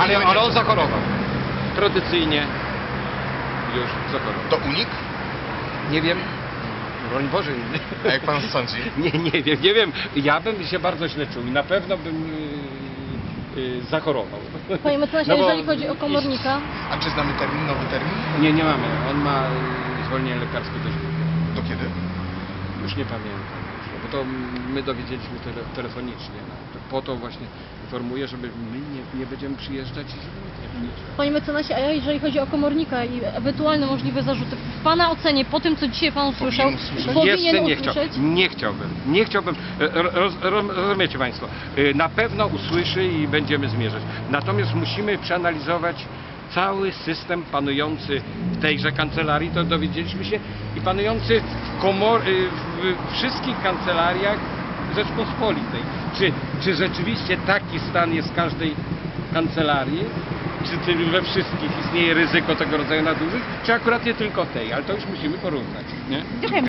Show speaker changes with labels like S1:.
S1: Ale on zachorował. Tradycyjnie już zachorował.
S2: To unik?
S1: Nie wiem. Broń Boże.
S2: A jak pan sądzi?
S1: Nie wiem. Ja bym się bardzo źle czuł i na pewno bym zachorował.
S3: Panie mecenasie,
S1: No bo-
S3: jeżeli chodzi o komornika,
S2: A czy znamy termin, nowy termin?
S1: Nie mamy. On ma zwolnienie lekarskie dość długie.
S2: Do kiedy?
S1: Już nie pamiętam. Bo to my dowiedzieliśmy telefonicznie. Po to właśnie informuję, żeby my nie będziemy przyjeżdżać i żeby nikt nie przyjeżdżał.
S3: panie mecenasie, a jeżeli chodzi o komornika i ewentualne możliwe zarzuty, w pana ocenie, po tym co dzisiaj pan usłyszał,
S2: Powinien usłyszeć.
S1: Jeszcze nie chciałbym. Rozumiecie Państwo, na pewno usłyszy i będziemy zmierzać. Natomiast musimy przeanalizować cały system panujący w tejże kancelarii, to dowiedzieliśmy się, i panujący w wszystkich kancelariach Rzeczpospolitej. Czy rzeczywiście taki stan jest w każdej kancelarii? Czy we wszystkich istnieje ryzyko tego rodzaju nadużyć? Czy akurat nie tylko tej? Ale to już musimy porównać. Nie?
S3: Dziękuję.